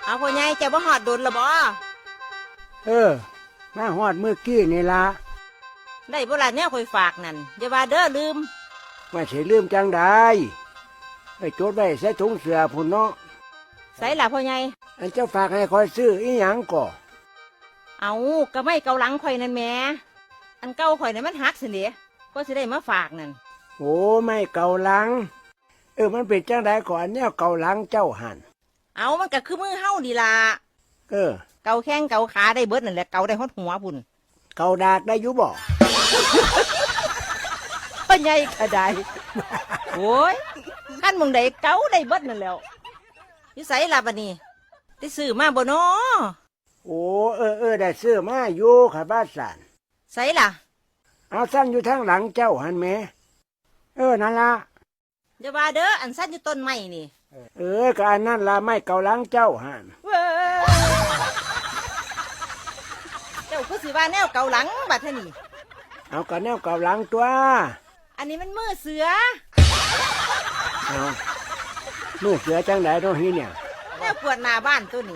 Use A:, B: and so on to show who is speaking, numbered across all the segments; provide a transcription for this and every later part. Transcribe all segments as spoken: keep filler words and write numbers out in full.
A: เอาพ่อใหญ่เจ้าบ่ฮอดโดนละบ่
B: เออมาฮอดเมื่อกี้นี่ละ
A: ได้บ่ล่ะแนวข่อยฝากนั่นอย่าว่าเด้อลืม
B: ว่าสิลืมจังได้ไปจดไว้ใส่ถุงเสื้อพุ่นเนาะ
A: ใส่ล่ะพ่อใหญ่
B: อันเจ้าฝากให้คอยซื้ออีหยังก่อ
A: เอาก็ไม่เกาหลังข่อยนั่นแหมอันเก่าข่อยนั่นมันหักสิเด้ก็สิได้มาฝากนั่น
B: โอ้ไม่เกาหลังเออมันเป็นจังไดก่อนแนวเกาหลังเจ้าหัน
A: เอามันก็คือมือเฮาดีล่ะ
B: เออ
A: เกาแข้งเกาขาได้เบิดนั่นแหละเกาได้ฮอดหัวพุ่น
B: เกาดากได้อยู่บ่
A: พ่อใหญ่ก็ได้โอ้ยคันมึงได้เกาได้เบิดนั่นแล้วอยู่ไสล่ะบัดนี้ได้ซื้อมาบ่น้อ
B: โอ้เออเออได้ซื้อมาอยู่ค่ะบ้านสัน
A: ไสล่ะ
B: เอาสั้นอยู่ทางหลังเจ้าหันแม่เออนั่นละ
A: อย่าว่าเด้ออันสั้นอยู่ต้นไม้นี่
B: เออก็อันนั้นละไม่เกาหลังเจ้าหัน
A: เจ้าคือสิว่าแนวเกาหลังบัดเท่านี้
B: เอาก็แนวเกาหลังตัว
A: อันนี้มันมือเสือ
B: เอามือเสือจังไหนตรงนี้เนี่ย
A: แนวปวดหน้าบ้านตัวนี้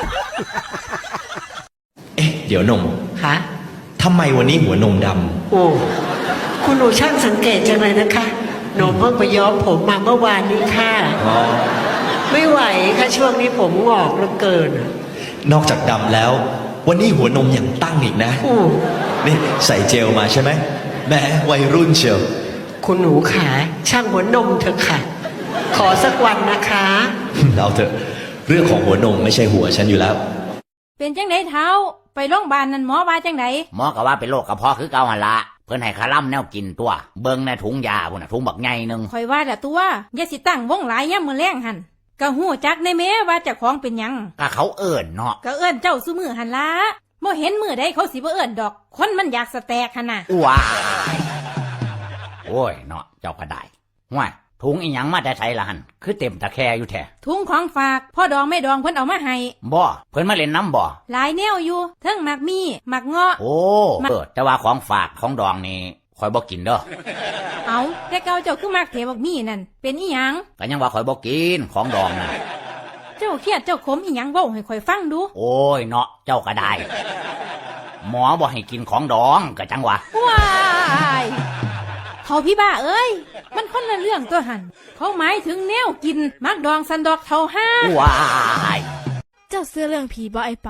C: เอ๊ะเดี๋ยวนม
D: คะ
C: ทำไมวันนี้หัวนมด
D: ำโอ้คุณหนูช่างสังเกตจังเลยนะคะหนูเพิ่งไปย้อมผมมาเมื่อวานนี้ค่ะไม่ไหวค่ะช่วงนี้ผมงอกเหลือเกิน
C: นอกจากดำแล้ววันนี้หัวนมยังตั้งอีกนะนี่ใส่เจลมาใช่ไหมแม่วัยรุ่นเชียว
D: คุณหนูขาช่างหัวนมเถอะค่ะขอสักวันนะคะ
C: เอาเถอะเรื่องของหัวนมไม่ใช่หัวฉันอยู่แล้ว
E: เป็นจังไดเท้าไปโรงพยาบาลนั่นหมอว่าจังได
F: หมอก็ว่าเป็นโรคกระเพาะคือเก่าหั่นละเพิ่นให้คาร่ำแนวกินตัวเบิ่งในถุงยาพุ่นน่ะถุงบักใหญ่นึง
E: ข่อยว่าแต่ตัวอย่าสิตั้งวงหลายยามมื้อแลงหั่นก็ฮู้จักในแม้ว่าเจ้าของเป็นหยัง
F: ก็เขาเอิ้นเนาะ
E: ก็เอิ้นเจ้าซุมื้อหั่นล่ะบ่เห็นมื้อใดเขาสิบ่เอิ้นดอกคนมันอยากสแตกหั่นน่ะ
F: ว้าโอ้ยเนาะเจ้าก็ได้ห่วยถุงอีหยังมาแต่ไสล่ะหั่นคือเต็มตะแคอยู่แท้
E: ถุงของฝากพ่อดองแม่ดองเพิ่นเอามาให้
F: บ่เพิ่นมาเล่นน้ำบ่
E: หลายแนวอยู่เทิงหมากมีหมากเงาะ
F: โอ้เออแต่ว่าของฝากของดองนี่ข่อยบ่กินเด้อ
E: เอาแต่เก่าเจ้าคือมักเถบักมีนั่นเป็นอีหยัง
F: ก็ยังว่าข่อยบ่กินของดองน่ะ
E: เจ้าเครียดเจ้าขมอีหยังเว้าให้ข่อยฟังดู
F: โอ้ยเนาะเจ้าก็ได้หมอบ่ให้กินของดองก็จังว่า
E: ว้ายเขาพี่บ้าเอ้ยมันคนละเรื่องตัวหันเขาหมายถึงแนวกินมักดองสันดอกเท่าห้า
F: ว้าย
G: เจ้าเสื้อเรื่องผีบ่ไอเป่า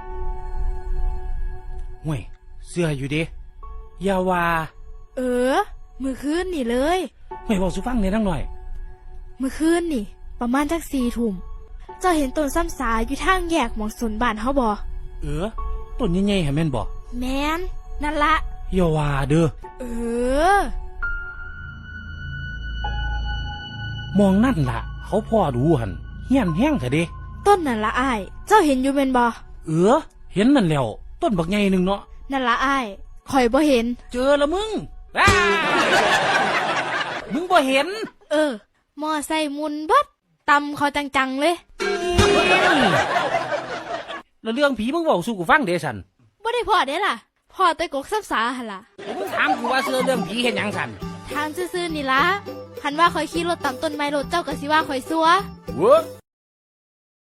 H: ห่วยเสื้ออยู่ดิยาว่า
G: เออมือคืนนี่เลย
H: ห่วยบอกสุฟังเนี่ยนั่งหน่อย
G: มือคืนนี่ประมาณจักสี่ทุ่มเจ้าเห็นต้นซ้ำสาอยู่ทางแยกหมองสนบ้านเขาบ่
H: เออต้นใหญ่ๆเห็นแม่นบ่
G: แม่นนั่นละ
H: ยาว่าเด้อ
G: เออ
H: มองนั่นล่ะเขาพ่อดูหันเฮี้ยนแห้งเถอะเด้
G: ต้นนั่นละอ้ายเจ้าเห็นอยู่แม่นบ่
H: เออเห็นนั่นแล้วต้นบักใหญ่นึงเนาะ
G: นั่นละอ้ายข่อยบ่เห็น
H: เจอละมึงมึงบ่เห็น
G: เออมอไซค์มุนบัดตำเขาจังๆเลย
H: แล้วเรื่องผีมึงบอกสู่กูฟังเด้สัน
G: บ่ได้พอเด้ล่ะพอแต่กกซับสาหั่นล่ะ
H: มึงถามกูว่าเสื้อเรื่องผีเห็นหยังสัน
G: ทางซื่อๆนี่ล่ะคันว่าข่อยขี่รถตามต้นไม้รถเจ้าก็สิว่าข่อยซัว
H: เว้อ